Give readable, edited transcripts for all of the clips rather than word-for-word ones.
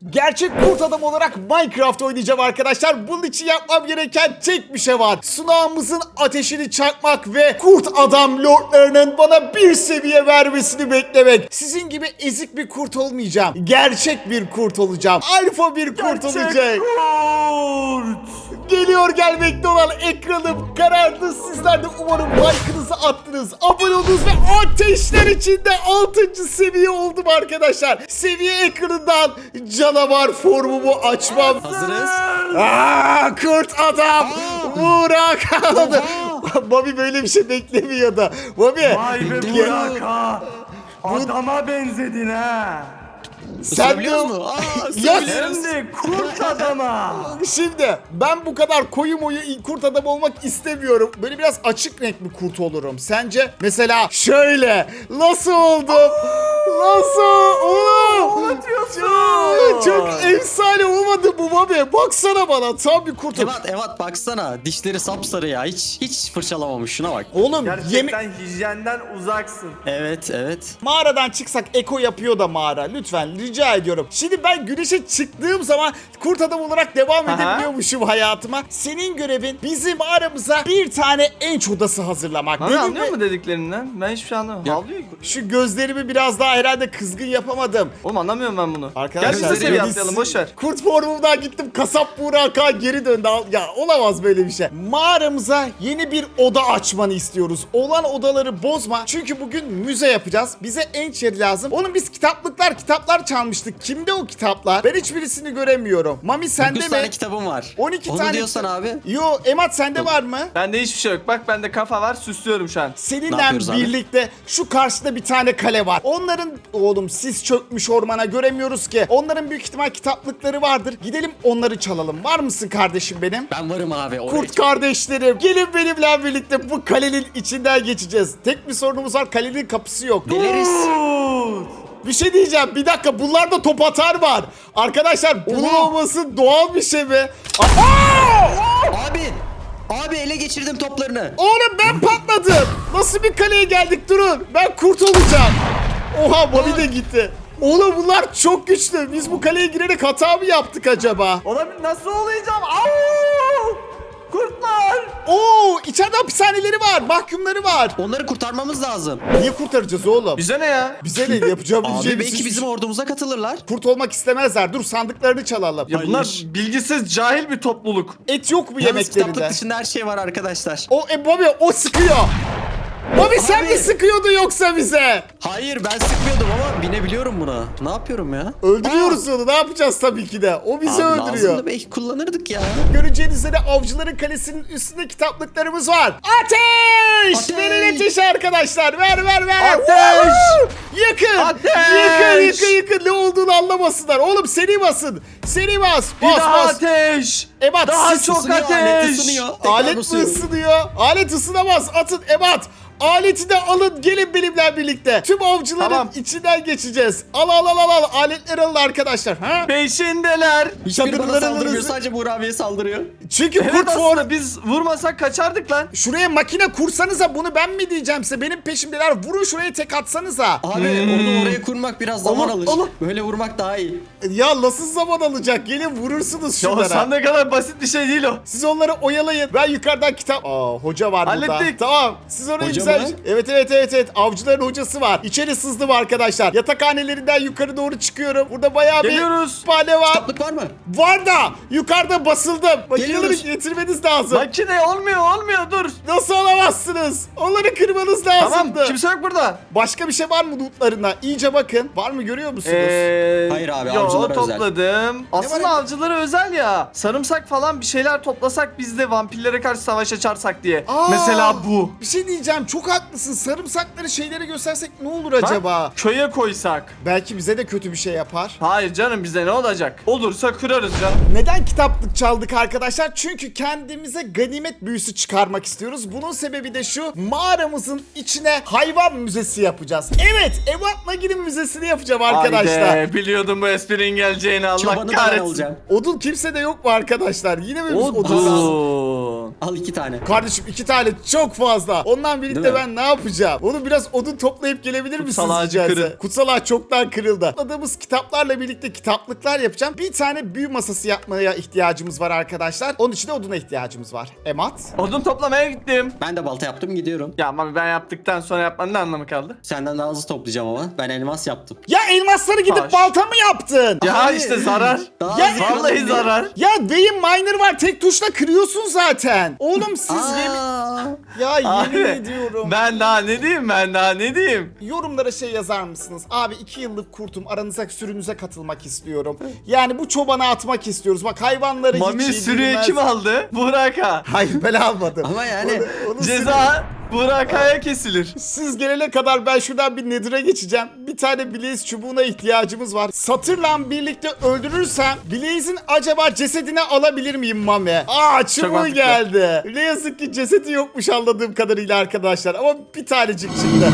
Gerçek kurt adam olarak Minecraft oynayacağım arkadaşlar. Bunun için yapmam gereken tek bir şey var. Sunağımızın ateşini çakmak ve kurt adam lordlarının bana bir seviye vermesini beklemek. Sizin gibi ezik bir kurt olmayacağım. Gerçek bir kurt olacağım. Alfa bir kurt olacak. Kurt. Geliyor gelmekte olan ekranım karardı. Sizler de umarım like'ınızı attınız. Abone oldunuz ve ateşler içinde 6. seviye oldum arkadaşlar. Seviye ekranından canavar formumu açmam. Hazırız. Kurt adam. Burak. Bobby böyle bir şey beklemiyordu. Bobby. Vay be Burak ha. Adama benzedin ha. Sen de... Biliyor musun? Ya Hem de kurt adama. Şimdi ben bu kadar koyu moyu kurt adam olmak istemiyorum. Böyle biraz açık renkli kurt olurum. Sence? Mesela şöyle. Nasıl oldum? Nasıl? Oğlum. Çok efsane olmadı bu Bobby. Baksana bana tam bir kurtum. Evet baksana dişleri sapsarı ya hiç fırçalamamış şuna bak. Oğlum Gerçekten hijyenden uzaksın. Evet. mağaradan çıksak eko yapıyor da mağara. Lütfen rica ediyorum. Şimdi ben güneşe çıktığım zaman kurt adam olarak devam edebiliyormuşum hayatıma. Senin görevin bizim mağaramıza bir tane enç odası hazırlamak. Hani Benimle- anlıyor mu dediklerinden? Ben hiçbir şey anlamıyorum. Havlıyor. Şu gözlerimi biraz daha herhalde kızgın yapamadım. Oğlum anlamıyorum ben bunu. Arkadaşlar Gel biz de seviye biz- atlayalım boşver. Kurt formumdan gittim, kasap Burak'a geri döndü. Ya olamaz böyle bir şey. Mağaramıza yeni bir oda açmanı istiyoruz. Olan odaları bozma. Çünkü bugün müze yapacağız. Bize enç yeri lazım. Oğlum biz kitaplar çalmıştık. Kimde o kitaplar? Ben hiçbirisini göremiyorum. Mami sende 9 mi? tane kitabım var. 12 Onu tane. diyorsan abi. Yo Emat sende var mı? Bende hiçbir şey yok. Bak bende kafa var, süslüyorum şu an. Ne Seninle yapıyoruz abi? birlikte şu karşıda bir tane kale var. Onların oğlum sis çökmüş ormana göremiyoruz ki. Onların büyük ihtimal kitaplıkları vardır. Gidelim onları çalalım. Var mısın kardeşim benim? Ben varım abi. Oraya Kurt kardeşlerim gelin benimle birlikte bu kalenin içinden geçeceğiz. Tek bir sorunumuz var, kalenin kapısı yok. Deliriz. Bir şey diyeceğim, bir dakika, bunlarda top atar var. Arkadaşlar bunun olması doğal bir şey mi? Abi ele geçirdim toplarını. Oğlum ben patladım. Nasıl bir kaleye geldik, durun. Ben kurt olacağım. Oha Bobby de gitti. Oğlum bunlar çok güçlü. Biz bu kaleye girerek hata mı yaptık acaba? Olabilir, nasıl olacağım? Au! Kurtlar! Oo, içeride hapishaneleri var, mahkumları var. Onları kurtarmamız lazım. Niye kurtaracağız oğlum? Bize ne ya? Bize ne yapacağımız Abi şey belki hiçbir bizim şey- ordumuza katılırlar. Kurt olmak istemezler. Dur sandıklarını çalalım. Ya bunlar Hayır. bilgisiz, cahil bir topluluk. Et yok mu Yalnız kitaplık yemeklerinde? dışında her şey var arkadaşlar. Bobby o sıkıyor. Bobby sen Abi. mi sıkıyordun yoksa bize? Hayır ben sıkmıyordum ama binebiliyorum buna. Ne yapıyorum ya? Öldürüyoruz onu. Ne yapacağız tabii ki de. O bizi Abi öldürüyor. lazımdı, belki kullanırdık ya. Göreceğiniz üzere avcıların kalesinin üstünde kitaplıklarımız var. Ateş! Ateş! Verin ateşi arkadaşlar. Ver. Ateş! Woo! Yakın! Ateş! Yakın. Ne olduğunu anlamasınlar. Oğlum seri basın. Seri bas. Bir Bas daha bas. ateş! Ebat Daha siz çok Isınıyor, alet ateş! ısınıyor. Tekrar Alet mi basıyorum. ısınıyor? Alet ısınamaz. Atın Ebat. Aleti de alın, gelin benimle birlikte. Tüm avcıların Tamam. içinden geçeceğiz. Al. Aletleri alın arkadaşlar. Ha? Peşindeler! Hiçbiri bana Çadırlarınızı- saldırmıyor, sadece Buğra abiye saldırıyor. Çünkü Evet kurt formu. aslında biz vurmasak kaçardık lan. Şuraya makine kursanıza, bunu ben mi diyeceğim size? Benim peşimdeler. Vurun şuraya, tek atsanıza. Abi onu oraya kurmak biraz zaman Allah, alır. Allah. Böyle vurmak daha iyi. Ya nasıl zaman alacak? Gelin vurursunuz Ya şunlara. sen ne kadar basit bir şey değil o. Siz onları oyalayın. Ben yukarıdan kitap... Hoca var burada. Hallettik. Tamam. Siz orayı Hoca güzel... mı? Evet. Avcıların hocası var. İçeri sızdım arkadaşlar. Yatakhanelerinden yukarı doğru çıkıyorum. Burada bayağı Geliyoruz. bir kütüphane var. Kitaplık var mı? Var da yukarıda basıldım. Makineleri Geliyoruz. getirmeniz lazım. Makine olmuyor dur. Nasıl alamazsınız? Onları kırmanız lazımdı. Tamam kimse yok burada. Başka bir şey var mı lootlarına? İyice bakın. Var mı, görüyor musunuz? Hayır abi, yo, avcılara özel. topladım. Aslında var? avcılara özel ya. Sarımsak falan bir şeyler toplasak biz de vampirlere karşı savaş açarsak diye. Aa, Mesela bu. Bir şey diyeceğim. Çok haklısın. Sarımsakları şeylere göstersek ne olur Bak, acaba? köye koysak. Belki bize de kötü bir şey yapar. Hayır canım bize ne olacak? Olursa kırarız canım. Neden kitaplık çaldık arkadaşlar? Çünkü kendimize ganimet büyüsü çıkarmak istiyoruz. Bunun sebebi de şu: mağaramızın içine hayvan müzesi yapacağız. Evet, Ebat Nagi'nin müzesini yapacağım arkadaşlar. Haydi biliyordum bu esprinin geleceğini, Allah Çobanı ben kahretsin. alacağım. Odun kimse de yok mu arkadaşlar? Yine mi biz odun lazım? Odun. olsun. Al 2 tane. Kardeşim 2 tane çok fazla. Ondan birlikte Değil mi? ben ne yapacağım? Onu biraz odun toplayıp gelebilir misiniz? Kutsal ağacı rica etsem? kırın. Kutsal ağaç çoktan kırıldı. Topladığımız kitaplarla birlikte kitaplıklar yapacağım. Bir tane büyü masası yapmaya ihtiyacımız var arkadaşlar. Onun için de oduna ihtiyacımız var. Emat. Odun toplamaya gittim. Ben de balta yaptım gidiyorum. Ya ama ben yaptıktan sonra yapmanın ne anlamı kaldı? Senden daha hızlı toplayacağım ama. Ben elmas yaptım. Ya elmasları gidip Taş. balta mı yaptın? Ya Abi. işte zarar. Daha Ya hızlı Vallahi kıralım zarar. Ya beyin miner var. Tek tuşla kırıyorsun zaten. Oğlum siz diye. yemin... Aa, Ya yemin Abi, ediyorum. ben daha ne diyeyim, ben daha ne diyeyim? Yorumlara şey yazar mısınız? Abi 2 yıllık kurtum, aranıza sürünüze katılmak istiyorum. Yani bu çobana atmak istiyoruz. Bak hayvanları Mami hiç sürüyü yedirmez. kim aldı? Burak'a. Hayır ben almadım. Ama yani Onu Ceza Burak'a kesilir. Siz gelene kadar ben şuradan bir Nether'a geçeceğim. Bir tane Blaze çubuğuna ihtiyacımız var. Satırla birlikte öldürürsem Blaze'in acaba cesedini alabilir miyim Mami? Aa çubuğu mantıklı. geldi. Ne yazık ki cesedi yokmuş anladığım kadarıyla arkadaşlar. Ama bir tanecik çıktı.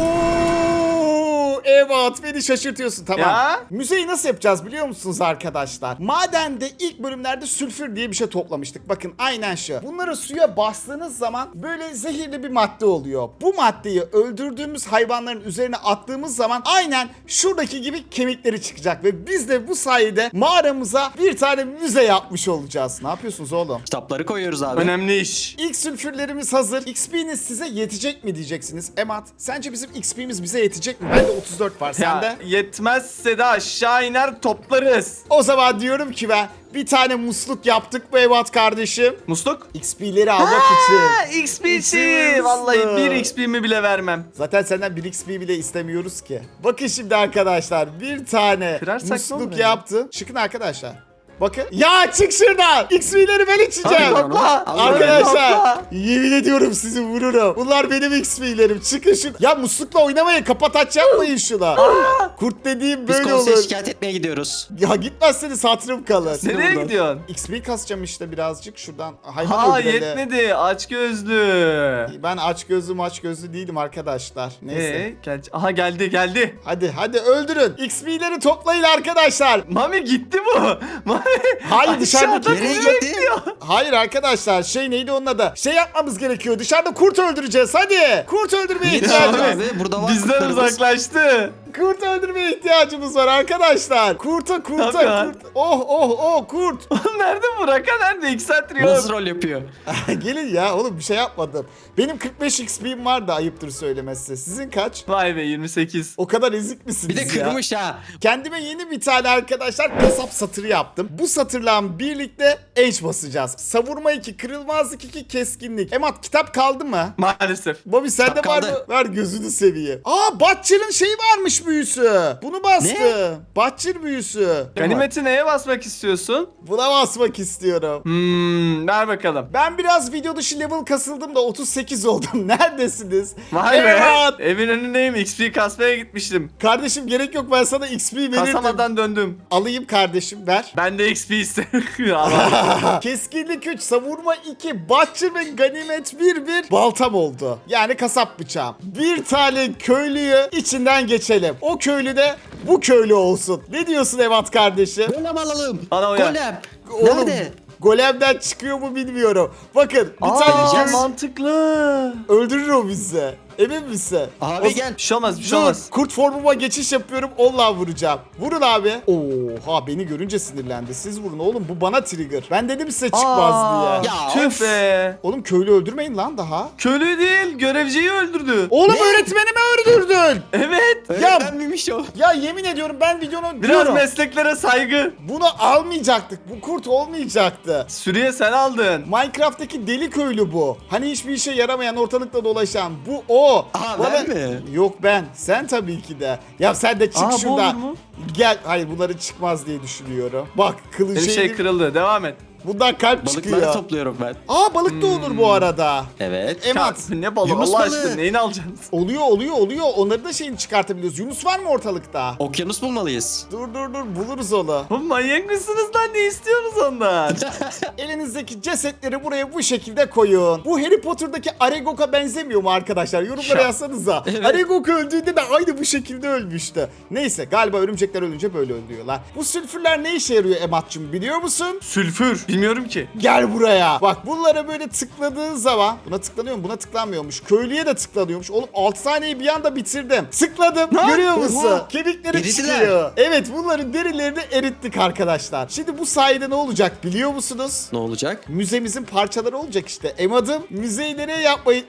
Evet beni şaşırtıyorsun tamam. Ya? Müzeyi nasıl yapacağız biliyor musunuz arkadaşlar? Madende ilk bölümlerde sülfür diye bir şey toplamıştık. Bakın aynen şu. Bunları suya bastığınız zaman böyle zehirli bir madde oluyor. Bu maddeyi öldürdüğümüz hayvanların üzerine attığımız zaman aynen şuradaki gibi kemikleri çıkacak. Ve biz de bu sayede mağaramıza bir tane müze yapmış olacağız. Ne yapıyorsunuz oğlum? kitapları koyuyoruz abi. Önemli iş. İlk sülfürlerimiz hazır. XP'niz size yetecek mi diyeceksiniz. Emat sence bizim XP'miz bize yetecek mi? Bende 34 var sende. Ya yetmezse de aşağı iner toplarız. O zaman diyorum ki ben bir tane musluk yaptık bu Evat kardeşim. Musluk? XP'leri almak Ha, için. XP İçiyorsun. için. Vallahi 1 XP'mi bile vermem. Zaten senden 1 XP bile istemiyoruz ki. Bakın şimdi arkadaşlar bir tane Kırarsak ne olur musluk ya? yaptım. Çıkın arkadaşlar. Bakın. Ya çık şuradan. XP'leri ben içeceğim. Hadi topla. Arkadaşlar Topla. yemin ediyorum sizi vururum. Bunlar benim XP'lerim. Çıkın şu. Ya muslukla oynamayın. Kapat aç yapmayın şuna. Kurt dediğim Biz böyle konseye olur. şikayet etmeye gidiyoruz. Ya gitmezseniz hatırım kalır. Nereye buradan. gidiyorsun? XP kasacağım işte birazcık şuradan. Hayvan Ha öldüreli. yetmedi. Aç gözlü. Ben aç gözlü değilim arkadaşlar. Neyse. Aha geldi. Hadi öldürün. XP'leri toplayın arkadaşlar. Mami gitti bu. Mami. Hayır, dışarıda aşağıda Nereye bizi gitti? bekliyor. Hayır arkadaşlar neydi onun adı? Şey yapmamız gerekiyor. Dışarıda kurt öldüreceğiz hadi. Kurt öldürmeye Niye ihtiyacımız dışarıda abi? Burada var Bizden kurtlarımız. uzaklaştı. Kurt öldürmeye ihtiyacımız var arkadaşlar. Kurta Tabii ya. kurt. Oh kurt. Oğlum nerede Burak'a nerede? 2 saattir yok. Nasıl rol yapıyor? Gelin ya oğlum bir şey yapmadım. Benim 45 XP'm var da ayıptır söylemesi. Sizin kaç? Vay be 28. O kadar ezik misiniz Bir de ya? kırmış ha. Kendime yeni bir tane arkadaşlar kasap satırı yaptım. Bu satırla birlikte Age basacağız. Savurma 2, kırılmazlık 2, keskinlik. Emat kitap kaldı mı? Maalesef. Bobby sende Kitap var kaldı. mı? Ver gözünü seveyim. Aa Butcher'ın şeyi varmış büyüsü. Bunu bastı. Ne? Butcher büyüsü. Ganimeti neye basmak istiyorsun? Buna basmak istiyorum. Ver bakalım. Ben biraz video dışı level kasıldım da 38 oldum. Neredesiniz? Vay be. Evet. Evin önündeyim. XP kasmaya gitmiştim. Kardeşim gerek yok ben sana XP verirdim. Kasamadan döndüm. Alayım kardeşim ver. Ben de XP isterim. Ama Keskinlik 3, savurma 2, Butcher ve ganimet 1 baltam oldu. Yani kasap bıçağım. Bir tane köylüyü içinden geçelim. O köylü de bu köylü olsun. Ne diyorsun Evat kardeşim? Golem alalım. Bana uyar. Golem. Oğlum, Nerede? Golemden çıkıyor mu bilmiyorum. Bakın bir tane Aa, köylü mantıklı. öldürür o bizi. Emin misin? Abi O- gel. Bir şey olmaz, bir şey Dur, olmaz. kurt formuma geçiş yapıyorum. Onunla vuracağım. Vurun abi. Oha beni görünce sinirlendi. Siz vurun oğlum bu bana trigger. Ben dedim size çıkmaz diye. Ya Tüh of. be. Oğlum köylü öldürmeyin lan daha. Köylü değil, görevciyi öldürdü. Oğlum Ne? öğretmenimi öldürdün. Evet. Öğretmen miymiş o? Ya yemin ediyorum ben videonun Biraz diyorum. mesleklere saygı. Bunu almayacaktık. Bu kurt olmayacaktı. Sürüye sen aldın. Minecraft'taki deli köylü bu. Hani hiçbir işe yaramayan ortalıkta dolaşan. Bu o. Aa, ben mi? Yok ben. Sen tabii ki de. Ya sen de çık Aa, bu şuradan. olur mu? Gel. Hayır bunları çıkmaz diye düşünüyorum. Bak kılıç Bir şey kırıldı. Devam et. Bundan kalp Balıkları çıkıyor. topluyorum ben. Aa balık da olur bu arada. Evet. Emat. Ya, ne balığı Yunus Allah balığı. aşkına neyini alacaksınız? Oluyor. Onları da şeyini çıkartabiliyoruz. Yunus var mı ortalıkta? Okyanus bulmalıyız. Dur buluruz onu. Oğlum manyak mısınız lan, ne istiyorsunuz ondan? Elinizdeki cesetleri buraya bu şekilde koyun. Bu Harry Potter'daki Aragog'a benzemiyor mu arkadaşlar? Yorumlara Ya. yazsanıza. Evet. Aragog öldüğünde de aynı bu şekilde ölmüştü. Neyse galiba örümcekler ölünce böyle ölüyorlar. Bu sülfürler ne işe yarıyor Emat'cığım biliyor musun? Sülfür. Bilmiyorum ki. Gel buraya. Bak bunlara böyle tıkladığın zaman buna tıklanıyor mu? Buna tıklanmıyormuş. Köylüye de tıklanıyormuş. Oğlum 6 saniyeyi bir anda bitirdim. Tıkladım. Görüyor musun? Oha. Kemikleri Eridiler. çıkıyor. Evet bunların derilerini erittik arkadaşlar. Şimdi bu sayede ne olacak biliyor musunuz? Ne olacak? Müzemizin parçaları olacak işte. Emad'ım müzeyi nereye yapmayın?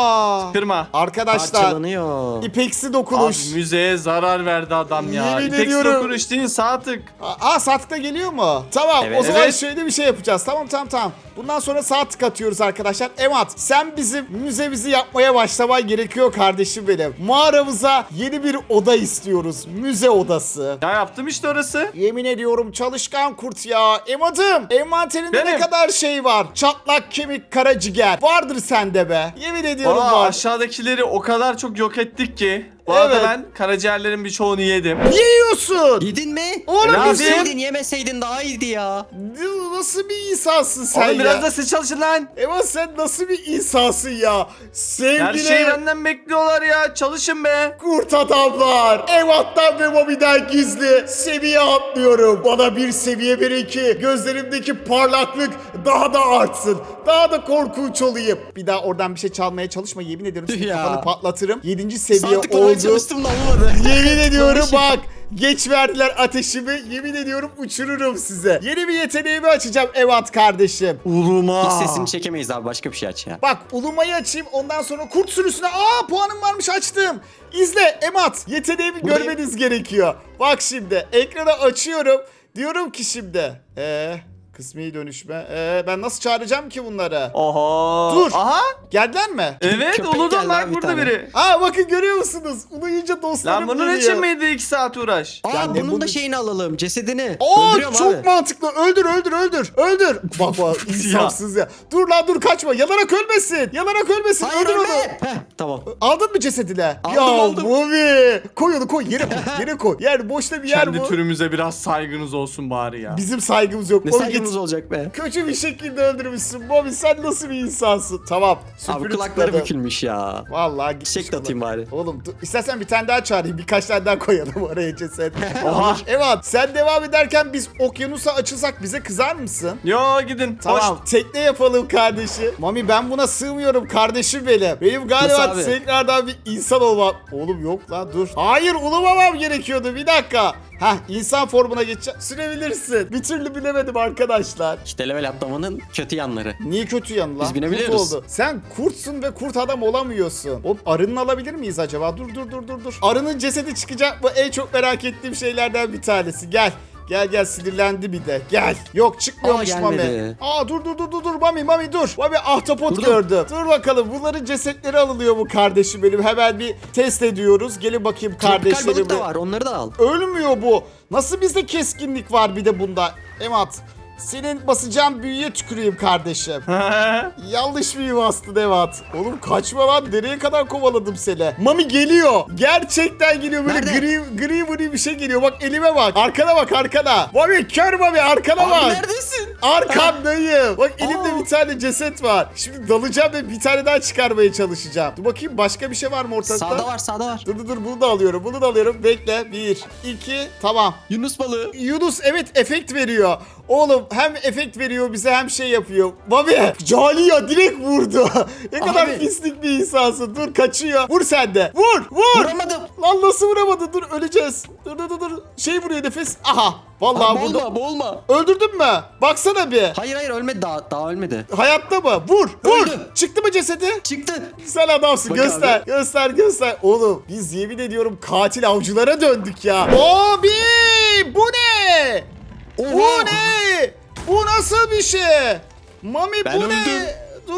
Kırma. Arkadaşlar Parçalanıyor. ipeksi Abi dokunuş. müzeye zarar verdi adam ya. Yemin İpeksi ediyorum. dokunuş değil sağ tık. Saatlikte geliyor mu? Tamam Evet. o zaman Evet. şöyle bir şey yapacağız. Tamam. Bundan sonra saat tık atıyoruz arkadaşlar. Emad sen bizim müzemizi yapmaya başlaman gerekiyor kardeşim benim. Mağaramıza yeni bir oda istiyoruz. Müze odası. Ya yaptım işte orası. Yemin ediyorum çalışkan kurt ya. Emad'ım envanterinde ne Benim. kadar şey var. Çatlak kemik karaciğer. Vardır sende be. Yemin ediyorum Valla var. aşağıdakileri o kadar çok yok ettik ki. Bu arada Evet. ben karaciğerlerin birçoğunu yedim. Yiyorsun. Yedin mi? Oğlum Helal nasıl, Yemeseydin yemeseydin daha iyiydi ya. nasıl bir insansın sen Oğlum ya? biraz da siz çalışın lan. Emad sen nasıl bir insansın ya? Sevgili Her şeyi benden bekliyorlar ya. Çalışın be. kurt adamlar. Emad'dan ve Mami'den gizli seviye atlıyorum. Bana bir seviye verin ki gözlerimdeki parlaklık daha da artsın. Daha da korkunç olayım. Bir daha oradan bir şey çalmaya çalışma. Yemin ediyorum senin Ya. kafanı patlatırım. 7. seviye Saat tıklamaya oldu. çalıştım da olmadı. Yemin ediyorum Konuşayım. bak. Geç verdiler ateşimi. Yemin ediyorum uçururum size. Yeni bir yeteneğimi açacağım Emad kardeşim. Uluma. Hiç sesini çekemeyiz abi, başka bir şey aç ya. Bak ulumayı açayım ondan sonra kurt sürüsüne. Puanım varmış açtım. İzle Emad. Yeteneğimi Buradayım. görmeniz gerekiyor. Bak şimdi ekrana açıyorum. Diyorum ki şimdi. Kısmi dönüşme. Ben nasıl çağıracağım ki bunları? Oha. Dur. Aha. Geldiler mi? Evet Köpek Ulu'dan geldi bak abi bir burada tane. biri. Bakın görüyor musunuz? Uluyunca dostlarım Lan bunun geliyor. için miydi 2 saat uğraş? Aa, Ya ne bunun bunu- da şeyini alalım, cesedini. Aa Öldürüyorum çok abi. mantıklı. Öldür. Bak insafsız ya. Dur lan dur kaçma. Yanarak ölmesin. Hayır Öldür onu. ölme. Heh, tamam. Aldın mı cesedine? Aldım. Mami. Koy onu koy. Yere koy. Yer boşta bir yer Kendi bu. türümüze biraz saygınız olsun bari ya. Bizim saygımız yok. Ne Mami saygımız git. olacak be. Kötü bir şekilde öldürmüşsün. Mami sen nasıl bir insansın? Tamam. Abi Süpürü kulakları tıkladım. bükülmüş ya. Vallahi gitmiş Çiçek de atayım bari. Oğlum dur, istersen bir tane daha çağırayım. Birkaç tane daha koyalım oraya ceset. Oha. Evet sen devam ederken biz okyanusa açılsak bize kızar mısın? Yo gidin. Tamam tekne yapalım kardeşim. Mami ben buna sığmıyorum kardeşim benim. Benim galiba Nasıl abi? tekrardan bir insan olmam. Oğlum yok lan dur. Hayır ulumamam gerekiyordu bir dakika. İnsan formuna geçeceğim. Sürebilirsin. Bir türlü bilemedim arkadaşlar. İşte level atlamanın kötü yanları. Niye kötü yanı lan? Biz binebiliyoruz. Kurt oldu. Sen kurtsun ve kurt adam olamıyorsun. Oğlum arının alabilir miyiz acaba? Dur. Arının cesedi çıkacak mı? En çok merak ettiğim şeylerden bir tanesi. Gel sinirlendi bir de. Gel. Yok çıkmıyormuş Mami. gelmedi. Dur Mami dur. Mami ahtapot Durdum. gördüm. Dur bakalım bunların cesetleri alınıyor mu kardeşim benim? Hemen bir test ediyoruz. Gelin bakayım Tropikal balık kardeşlerim. da var, onları da al. Ölmüyor bu. Nasıl bizde keskinlik var bir de bunda? Emad senin basacağın büyüye tüküreyim kardeşim. Yanlış bir bastın Evat. Oğlum kaçma lan. Nereye kadar kovaladım seni? Mami geliyor. Gerçekten geliyor. Böyle Nerede? gri bir şey geliyor. Bak elime bak. Arkana bak arkana. Mami kör Mami arkana Abi bak. neredesin? Arkandayım. Bak elimde Aa. bir tane ceset var. Şimdi dalacağım ve bir tane daha çıkarmaya çalışacağım. Dur bakayım başka bir şey var mı ortalıkta? Sağda var. Dur bunu da alıyorum. Bekle. 1, 2, tamam. Yunus balığı. Yunus evet efekt veriyor. Oğlum hem efekt veriyor bize hem şey yapıyor. Mami Caliya direkt vurdu. Ne kadar Abi. pislik bir insansın. Dur kaçıyor. Vur sen de. Vur. Vuramadım. Lan nasıl vuramadın? Dur öleceğiz. Dur. Şey vuruyor nefes. Aha. Vallahi Aa, vurdu. boğulma. Öldürdün mü? Baksana bir. Hayır ölmedi daha ölmedi. Hayatta mı? Vur. Öldü. Çıktı mı cesedi? Çıktı. Sen adamsın. Bak Göster. Oğlum biz yemin ediyorum katil avcılara döndük ya. Abi bu ne? Oha. Bu ne? Bu nasıl bir şey? Mami Ben bu öldüm. ne?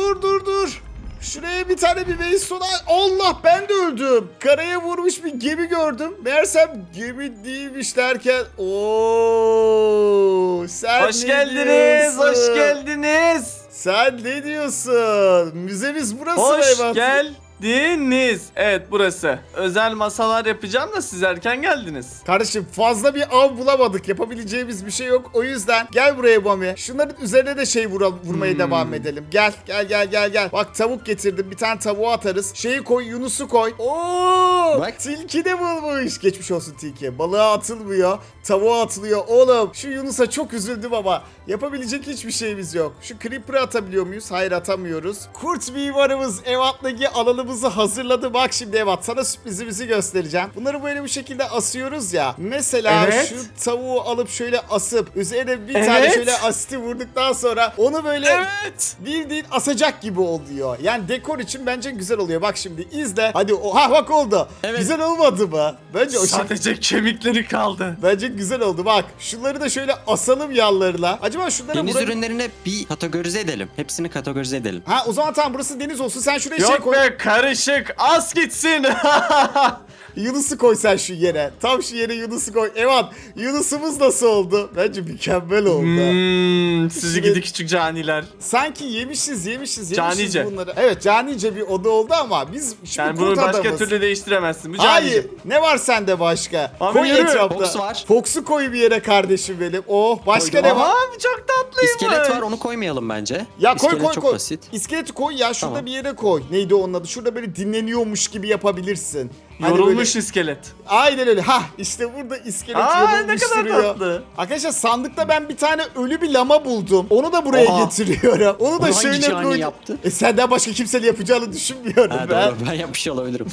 Dur. Şuraya bir tane bir base soda. Allah ben de öldüm. Karaya vurmuş bir gemi gördüm. Meğersem gemi değilmiş derken. Oo, sen Hoş ne geldiniz. diyorsun? Hoş geldiniz. Sen ne diyorsun? Müzemiz burası Hoş Meyvat. geldiniz. Evet burası. Özel masalar yapacağım da siz erken geldiniz. Kardeşim fazla bir av bulamadık. Yapabileceğimiz bir şey yok. O yüzden gel buraya Mami. Şunların üzerine de şey vurmaya devam edelim. Gel. Bak tavuk getirdim. Bir tane tavuğu atarız. Şeyi koy, Yunus'u koy. Oo! Bak. Tilki de bulmuş. Geçmiş olsun tilki. Balığa atılmıyor. Tavuğa atılıyor. Oğlum şu Yunus'a çok üzüldüm ama yapabilecek hiçbir şeyimiz yok. Şu Creeper'ı atabiliyor muyuz? Hayır atamıyoruz. Kurt mimarımız Evat'taki alanımızı hazırladı. Bak şimdi Evat sana sürprizimizi göstereceğim. Bunları böyle bu şekilde asıyoruz ya. Mesela Evet. şu tavuğu alıp şöyle asıp üzerine bir Evet. tane şöyle asiti vurduktan sonra onu böyle Evet. bildiğin asacak gibi oluyor. Yani dekor için bence güzel oluyor. Bak şimdi izle. Hadi bak oldu. Evet. Güzel olmadı mı? Bence o Sadece kemikleri kaldı. Bence güzel oldu. Bak şunları da şöyle asalım yanlarına. Acaba şunları Deniz buraya... ürünlerine bir kategorize edelim. Hepsini kategorize edelim. Ha o zaman tamam burası deniz olsun. Sen şuraya şey Yok koy. be karışık. As gitsin. Yunus'u koy sen şu yere. Tam şu yere Yunus'u koy. Evet. Yunus'umuz nasıl oldu? Bence mükemmel oldu. Sizi gidi küçük caniler. Sanki yemişiz Canice. bunları. Evet canice bir oda oldu ama biz şimdi Yani kurt bunu başka adamız. türlü değiştiremezsin. Bu Hayır. canice. Ne var sende başka? Abi Koy yürü. etrafta. Fox var. Fox'u koy bir yere kardeşim benim. Oh başka Koydum. ne var? Abi çok tatlıymış. İskelet var, onu koymayalım bence. Ya koy İskelet çok koy. basit. İskeleti koy ya şurada Tamam. bir yere koy. Neydi onun adı? Şurada böyle dinleniyormuş gibi yapabilirsin. Hani Yorulmuş böyle- iskelet. Aynen öyle. Ha işte burada iskelet Aa ne yorulmuş kadar duruyor. tatlı. Arkadaşlar sandıkta ben bir tane ölü bir lama buldum. Onu da buraya Oha. getiriyorum. Onu da Onu hangi şöyle cani koydum. yaptı? Senden başka kimsenin yapacağını düşünmüyorum Ha, ben. doğru, ben yapmış olabilirim.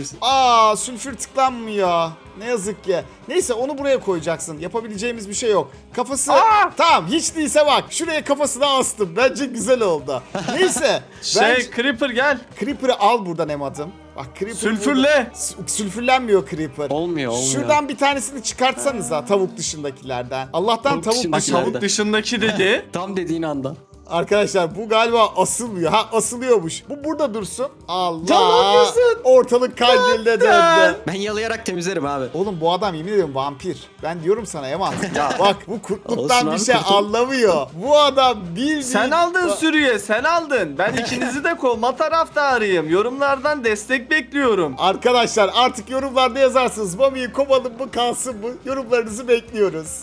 Aa sülfür tıklanmıyor. Ne yazık ki. Neyse onu buraya koyacaksın. Yapabileceğimiz bir şey yok. Kafası... Tamam hiç değilse bak. Şuraya kafasını astım. Bence güzel oldu. Neyse. bence... Creeper gel. Creeper'ı al buradan Emad'ım. Bak Creeper Sülfürle. Sülfürlenmiyor Creeper. Olmuyor. Şuradan bir tanesini çıkartsanıza tavuk dışındakilerden. Allah'tan Tavuk tavuk dışındakilerden. dışında. Tavuk dışındaki dedi. Tam dediğin anda. Arkadaşlar bu galiba asılmıyor. Ha asılıyormuş. Bu burada dursun. Allah. Tamam kızım. Ortalık kalbinde döndü. Ben yalayarak temizlerim abi. Oğlum bu adam yemin ediyorum vampir. Ben diyorum sana Eman. Bak bu kurtluktan Olsun bir abi, şey kurtul. anlamıyor. Bu adam bildiğin... Sen aldın sürüye, sen aldın. Ben ikinizi de kovma taraftarıyım. Yorumlardan destek bekliyorum. Arkadaşlar artık yorumlarda yazarsınız. Mami'yi kovalım mı kalsın mı? Yorumlarınızı bekliyoruz.